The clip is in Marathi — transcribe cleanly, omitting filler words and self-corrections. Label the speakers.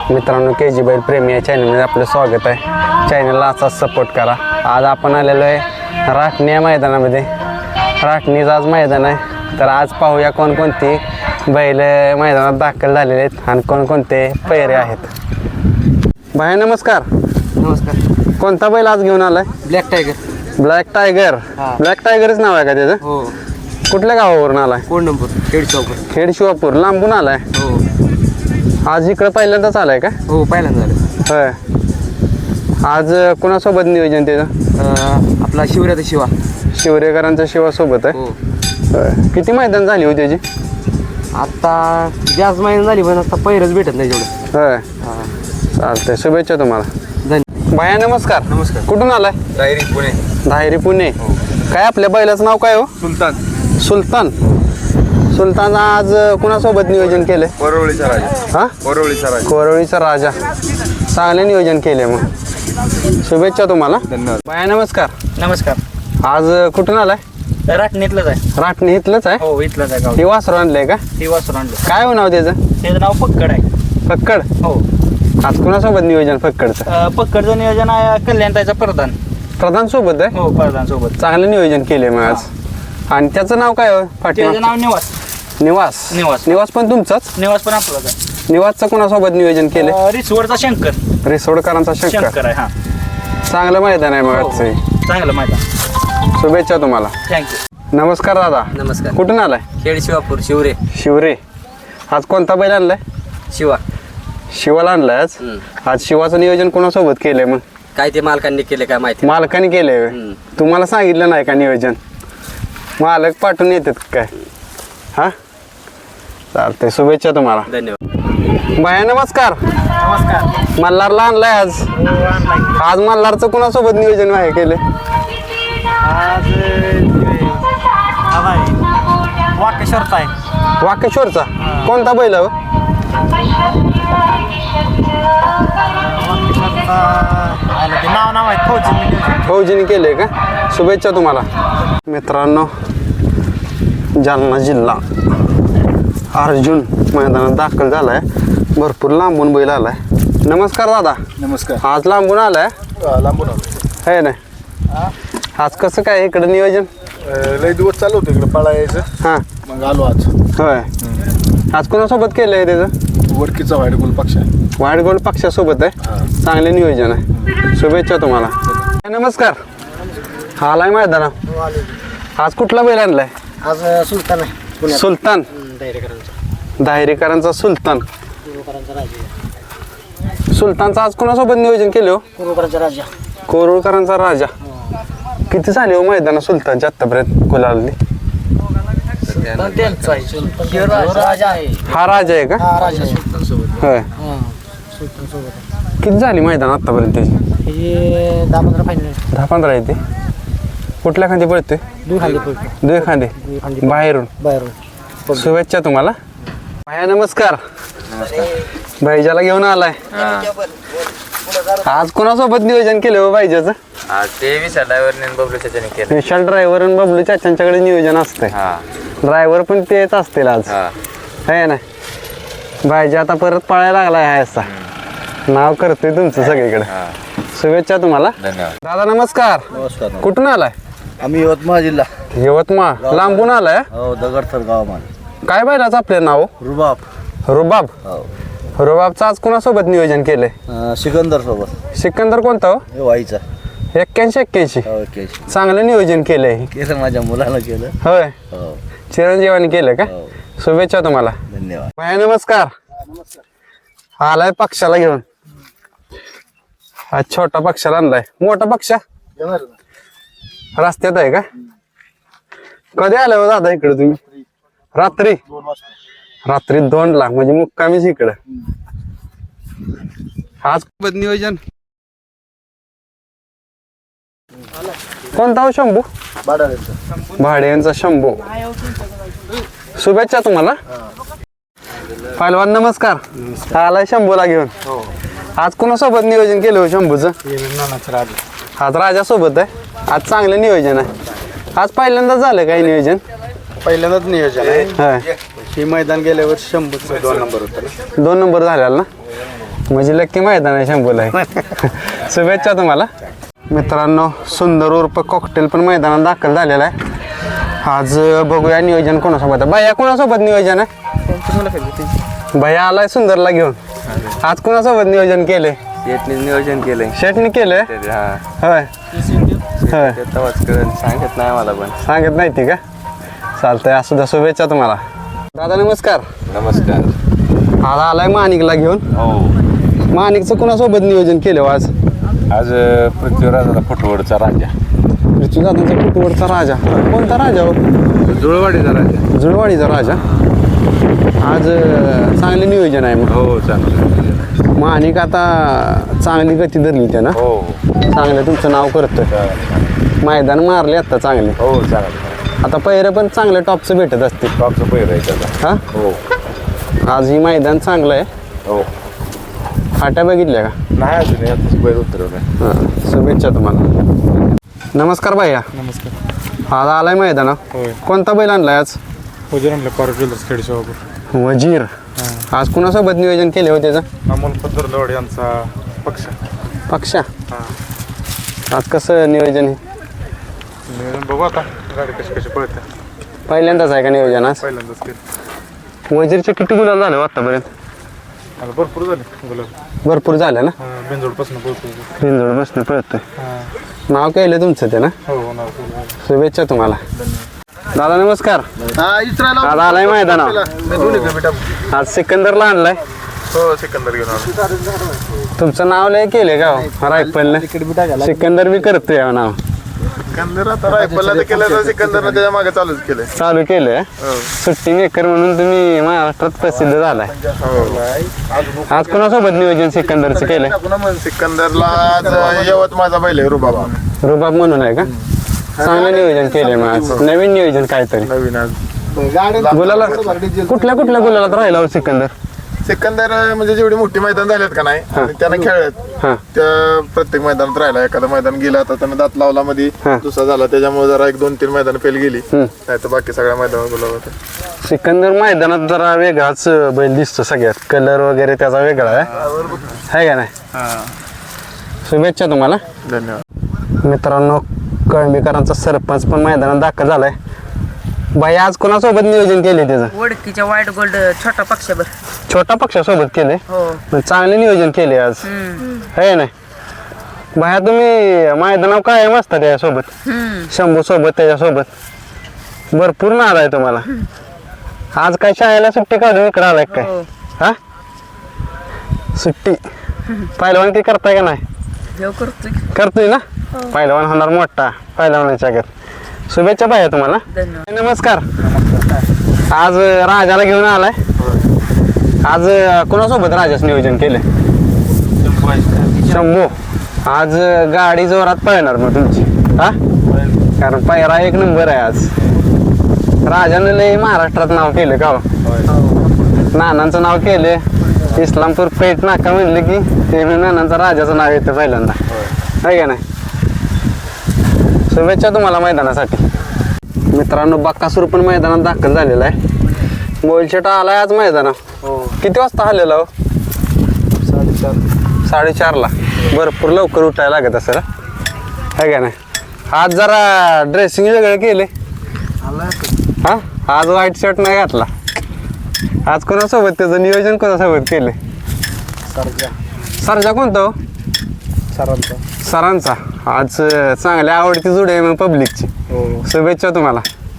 Speaker 1: मित्रांनो, के जी बैल प्रेमी या चॅनलमध्ये आपलं स्वागत आहे. चॅनलला असाच सपोर्ट करा. आज आपण आलेलो आहे राटणी या मैदानामध्ये. राटणीचं आज मैदान आहे, तर आज पाहूया कोणकोणती बैल मैदानात दाखल झालेले आहेत आणि कोणकोणते पैरे आहेत. भाई नमस्कार.
Speaker 2: नमस्कार.
Speaker 1: कोणता बैल आज घेऊन आलाय?
Speaker 2: Black tiger.
Speaker 1: Black tiger. Black टायगरच नाव आहे का त्याचं?
Speaker 2: हो.
Speaker 1: कुठल्या गावावरून आलाय?
Speaker 2: कोंडंपूर, खेडशिवापूर.
Speaker 1: खेडशिवापूर लांबून आलाय.
Speaker 2: हो.
Speaker 1: आज इकडं पहिल्यांदाच आलाय का?
Speaker 2: हो, पहिल्यांदा झालं.
Speaker 1: होय. आज कोणासोबत नियोजन त्याचं?
Speaker 2: आपला शिवराचा शिवा.
Speaker 1: शिवरेकरांचा शिवासोबत आहे.
Speaker 2: हो.
Speaker 1: होय. किती मैदान झाली होती त्याची?
Speaker 2: आता जास्त महिना झाली, पण आता पैरच भेटत नाही तेवढं.
Speaker 1: होय. चालतंय, शुभेच्छा तुम्हाला.
Speaker 2: धन्यवाद.
Speaker 1: भाया नमस्कार.
Speaker 3: नमस्कार.
Speaker 1: कुठून आलाय?
Speaker 3: डायरी पुणे.
Speaker 1: धायरी पुणे. काय आपल्या बैलाचं नाव काय हो?
Speaker 3: सुलतान.
Speaker 1: सुलतान. सुलतान आज कुणासोबत नियोजन केलंय?
Speaker 3: वरवळीचा राजा.
Speaker 1: हा,
Speaker 3: वरवळीचा राजा.
Speaker 1: कोरवळीचा राजा. चांगले नियोजन केले मग. शुभेच्छा तुम्हाला.
Speaker 3: धन्यवाद.
Speaker 1: भाया नमस्कार.
Speaker 2: नमस्कार.
Speaker 1: आज कुठून आलाय?
Speaker 2: राटणीतलंच आहे.
Speaker 1: राटणी इथलंच आहे.
Speaker 2: हो, इथलंच आहे गाव.
Speaker 1: हे वासरू आणलंय का?
Speaker 2: ती वासर आणलं.
Speaker 1: काय हो नाव त्याचं?
Speaker 2: त्याचं नाव पक्कड आहे.
Speaker 1: फक्कड.
Speaker 2: हो.
Speaker 1: आज कुणासोबत नियोजन फक्कडचं?
Speaker 2: पक्कडचं नियोजन आहे कल्याणताईचा प्रधान.
Speaker 1: प्रधान सोबत आहे.
Speaker 2: हो, प्रधान सोबत.
Speaker 1: चांगलं नियोजन केले मग आज. आणि त्याचं नाव काय हो?
Speaker 2: त्याचं नाव निवास.
Speaker 1: निवास.
Speaker 2: निवास.
Speaker 1: निवास पण तुमचाच?
Speaker 2: निवास पण आपलाच आहे.
Speaker 1: निवासचं कोणासोबत नियोजन केले?
Speaker 2: रिसवडचा शंकर.
Speaker 1: रिसोडकरांचा शंकर.
Speaker 2: शंकर आहे. हा,
Speaker 1: चांगलं मैदान आहे मग
Speaker 2: हो.
Speaker 1: आजचं.
Speaker 2: चांगलं माहिती.
Speaker 1: शुभेच्छा तुम्हाला.
Speaker 2: थँक्यू.
Speaker 1: नमस्कार दादा.
Speaker 2: नमस्कार.
Speaker 1: कुठून आलाय?
Speaker 2: खेडशिवापूर, शिवरे.
Speaker 1: शिवरे. आज कोणता बैल आणलाय?
Speaker 2: शिवा.
Speaker 1: शिवाला आणलाय आज. आज शिवाचं नियोजन कोणासोबत केलंय मग?
Speaker 2: काय ते मालकांनी केले काय माहिती.
Speaker 1: मालकाने केलंय होय? तुम्हाला सांगितलं नाही का नियोजन? मालक पाठवून येतात काय? हा, चालतंय, शुभेच्छा तुम्हाला.
Speaker 2: धन्यवाद.
Speaker 1: बाया नमस्कार.
Speaker 2: नमस्कार.
Speaker 1: मल्हारला आणलाय आज. आज मल्हारचं कुणासोबत नियोजन आहे केले?
Speaker 2: आज वाकेश्वरचा आहे.
Speaker 1: वाकेश्वरचा. कोणता बैल हो?
Speaker 2: नाव आहे फौजी.
Speaker 1: फौजीने केले का? शुभेच्छा तुम्हाला. मित्रांनो, जालना जिल्हा अर्जुन मैदानात दाखल झालाय. भरपूर लांबून बैल आलाय. नमस्कार दादा.
Speaker 3: नमस्कार.
Speaker 1: आज लांबून आलाय
Speaker 3: लांबून
Speaker 1: है ना? आज कसं काय इकडे नियोजन?
Speaker 3: लय दिवस चालू होतं इकडे पळायचं,
Speaker 1: हां,
Speaker 3: मग आलो आज.
Speaker 1: होय. आज कोणासोबत केलंय त्याचं?
Speaker 3: वडकीचा व्हाईट गोल पक्ष आहे.
Speaker 1: वाईट गोल्ड पक्षासोबत आहे. चांगले नियोजन आहे. शुभेच्छा तुम्हाला. नमस्कार. आलाय मैदाना. आज कुठला बैल आणलाय?
Speaker 2: आज सुलतान आहे.
Speaker 1: सुलतान. दायरेकरांचा सुलतान. सुलतानचं आज कोणासोबत नियोजन केले हो?
Speaker 2: राजा.
Speaker 1: कोरुळकरांचा राजा. किती झाले हो मैदान सुलतानच्या आतापर्यंत गुलालनी? हा राजा आहे का? होय. किती झाली मैदान आतापर्यंत त्याची?
Speaker 2: 10-15 फायनल.
Speaker 1: 10-15 येते. कुठल्या खांदी पळतोय? दुई खांदे. बाहेरून. शुभेच्छा तुम्हाला. भाया नमस्कार. भाईजाला घेऊन आलाय. आज कोणासोबत नियोजन केलं हो भाईजाचं?
Speaker 3: ते विशाल ड्रायव्हरने बबलू चाचाने केलं.
Speaker 1: विशाल ड्रायव्हर आणि बबलू चाचांच्याकडे नियोजन असतंय. ड्रायव्हर पण तेच असतील आज, है ना? भाईजी आता परत पळायला लागलाय. हा असा नाव करतोय तुमचं सगळीकडे. शुभेच्छा तुम्हाला.
Speaker 3: धन्यवाद.
Speaker 1: दादा नमस्कार.
Speaker 3: नमस्कार.
Speaker 1: कुठून आलाय?
Speaker 3: आम्ही यवतमाळ जिल्हा.
Speaker 1: यवतमाळ. लांबून आलाय?
Speaker 3: हो, दगडथर गाव मान.
Speaker 1: काय बैलाचं आपलं नाव?
Speaker 3: रुबाब.
Speaker 1: रुबाब. रुबाबचं आज कोणासोबत नियोजन केलंय?
Speaker 3: सिकंदर सोबत.
Speaker 1: सिकंदर कोणता हो?
Speaker 3: वाईचा.
Speaker 1: 81-81. चांगलं नियोजन केलंय.
Speaker 3: केलं माझ्या मुलानं केलं.
Speaker 1: होय.
Speaker 3: हो.
Speaker 1: चिरंजीवानी केलं का? शुभेच्छा तुम्हाला.
Speaker 3: धन्यवाद.
Speaker 1: भाया नमस्कार. आलाय पक्षाला घेऊन. हा छोटा पक्षाला आणलाय. मोठा पक्षा रस्त्यात आहे का? कधी आलाय हो दादा इकडे तुम्ही? रात्री. रात्री 2ला म्हणजे मुक्कामीच इकडं. आज नियोजन कोणता हो? शंभू. भाड्यांचा शंभू. शुभेच्छा तुम्हाला. पहिलवान नमस्कार. आलाय शंभूला घेऊन. आज कोणासोबत नियोजन केलं हो शंभूचं? आज राजा सोबत आहे. आज चांगलं नियोजन आहे. आज पहिल्यांदाच झालं काही नियोजन?
Speaker 3: पहिल्यांदाच नियोजन आहे.
Speaker 1: होय.
Speaker 3: हे मैदान गेल्यावर 100 2 नंबर होता.
Speaker 1: 2 नंबर झालेला ना? म्हणजे लक्की मैदान आहे शंभूला आहे. शुभेच्छा तुम्हाला मित्रांनो. सुंदर उर्फ कॉकटेल पण मैदानात दाखल झालेला आहे. आज बघूया नियोजन कोणासोबत आहे. भैया कोणासोबत नियोजन आहे? भैया आलाय सुंदरला घेऊन. आज कोणासोबत नियोजन केले?
Speaker 2: शेटने नियोजन केलंय.
Speaker 1: शेटने केले होय होय.
Speaker 2: सांगत नाही मला पण.
Speaker 1: सांगत नाही ती का? चालतंय. असू द्या. शुभेच्छा तुम्हाला दादा. नमस्कार.
Speaker 3: नमस्कार.
Speaker 1: आज आलाय माणिकला घेऊन.
Speaker 3: हो
Speaker 1: माणिकचं कोणासोबत नियोजन केलं आज?
Speaker 3: आज पृथ्वीराजाचा फुटवडचा राजा,
Speaker 1: पृथ्वीदादांचा कुटुंबचा राजा. कोणता राजा हो?
Speaker 3: जुळवाडीचा राजा.
Speaker 1: जुळवाडीचा राजा. आज चांगले नियोजन आहे मग.
Speaker 3: हो चांगलं.
Speaker 1: माणिक आता चांगली गती धरली त्यानं.
Speaker 3: हो
Speaker 1: चांगलं तुमचं नाव करतोय. मैदान मारले आता चांगले.
Speaker 3: हो चांगलं.
Speaker 1: आता पहिरं पण चांगलं टॉपचं भेटत असते.
Speaker 3: टॉपचं पहिरं आहे त्याचा.
Speaker 1: हा
Speaker 3: हो
Speaker 1: आज ही मैदान चांगलं आहे.
Speaker 3: हो.
Speaker 1: फाट्या बघितल्या का?
Speaker 3: नाही अजून यातच बैल उतरवलं.
Speaker 1: हां. शुभेच्छा तुम्हाला. नमस्कार भैया.
Speaker 4: नमस्कार.
Speaker 1: आज आलाय मैदाना.
Speaker 4: होय.
Speaker 1: कोणता बैल आणलाय आज?
Speaker 4: वजीर आणलं पार ज्वेलर्स खेडी शॉपवर.
Speaker 1: वजीर. आज कुणासोबत नियोजन केले होते त्याचं?
Speaker 4: अमोल पद्धरलवाड यांचा पक्ष.
Speaker 1: पक्षा. आज कसं नियोजन आहे?
Speaker 4: नियोजन बघू आता गाडी कशी कशी पळते.
Speaker 1: पहिल्यांदाच आहे का नियोजन आज?
Speaker 4: पहिल्यांदाच केलं.
Speaker 1: वजीरचे किती गुलाल झाले हो आतापर्यंत?
Speaker 4: मला भरपूर झाले गुलाब.
Speaker 1: भरपूर झाले ना.
Speaker 4: बेंजोडपासून बोलतो.
Speaker 1: बिंदोड बसणं पळतोय. नाव केलं तुमचं ते ना.
Speaker 4: हो होणार.
Speaker 1: शुभेच्छा तुम्हाला दादा. नमस्कार. आज आलाय मैदानावर. आज सिकंदरला आणलाय.
Speaker 4: हो सिकंदर घेऊन आलो.
Speaker 1: तुमचं नाव लय केले का हो रायफलने? सिकंदर बी करतोय या नाव.
Speaker 4: सिकंदर आता रायफलला तर केलं तर सिकंदरनं त्याच्या मागे चालूच केलंय.
Speaker 1: चालू केलंय. सुट्टी मेकर म्हणून तुम्ही महाराष्ट्रात प्रसिद्ध झालाय. आज कोणासोबत नियोजन सिकंदरचं केलंय?
Speaker 4: सिकंदरला आज यवतमाळचा बैल आहे रुबाबा.
Speaker 1: रुबाब म्हणून आहे का? चांगलं नियोजन केलंय मग आज. नवीन नियोजन काहीतरी.
Speaker 4: नवीन आज
Speaker 1: गुलाला कुठल्या कुठल्या गुलालात राहिला हो सिकंदर?
Speaker 4: सिकंदर म्हणजे जेवढी मोठी मैदान झालेत का नाही आणि त्यानं खेळत
Speaker 1: हां.
Speaker 4: त्या प्रत्येक मैदानात राहिला. एखादं मैदान गेलं आता त्यानं दात लावला मध्ये दुसरा झाला त्याच्यामुळे जरा 1-2-3 मैदान फेल गेली. नाही तर बाकी सगळ्या मैदानात गुलाब होते.
Speaker 1: सिकंदर मैदानात जरा वेगळाच बैल दिसतो. सगळ्यात कलर वगैरे त्याचा वेगळा आहे का नाही? शुभेच्छा तुम्हाला.
Speaker 4: धन्यवाद.
Speaker 1: मित्रांनो कळंबीकरांचा सरपंच पण मैदानात दाखल झालाय. बाई आज कोणासोबत नियोजन केले त्याचं?
Speaker 5: वडकीच्या व्हाईट गोल्ड छोटा पक्षाबर.
Speaker 1: छोटा पक्षासोबत केले.
Speaker 5: हो.
Speaker 1: चांगले नियोजन केले आज है नाही? बाया तुम्ही मैदानावर काय मस्त त्याच्यासोबत? शंभू सोबत त्याच्यासोबत भरपूर नाद आहे तुम्हाला. आज काय शाळेला सुट्टी काढून इकडे आलाय काय? हा सुट्टी. पहिलवान की करताय का नाही?
Speaker 5: देव करतोय.
Speaker 1: करतोय ना. पहिलवान होणार मोठा पहिलवानाच्या घर. शुभेच्छा बाया तुम्हाला.
Speaker 5: धन्यवाद.
Speaker 1: नमस्कार. आज राजाला घेऊन आलाय. आज कोणासोबत राजाच नियोजन केले? शंभू. आज गाडी जोरात पळणार मग तुमची. हा कारण पायरा एक नंबर आहे आज. राजाने लय महाराष्ट्रात नाव केलं का? नानांचं नाव केले. इस्लामपूर पेठ नाका म्हणलं की ते नानांचं राजाचं नाव येतं पहिल्यांदा आहे का नाही? शुभेच्छा तुम्हाला मैदानासाठी. मित्रांनो बक्कासूर पण मैदानात दाखल झालेला आहे. मोलशेटा आलाय आज मैदानात. किती वाजता आलेला हो? 4:30ला. भरपूर लवकर उठायला लागत असेल आहे का नाही? आज जरा ड्रेसिंग वेगळं केले. हा आज व्हाईट शर्ट नाही घातला. आज कोणासोबत त्याचं नियोजन कोणासोबत केले? सरजा कोणता हो? सरांचा. आज चांगली आवडती जोडी आहे मग पब्लिकची. शुभेच्छा तुम्हाला.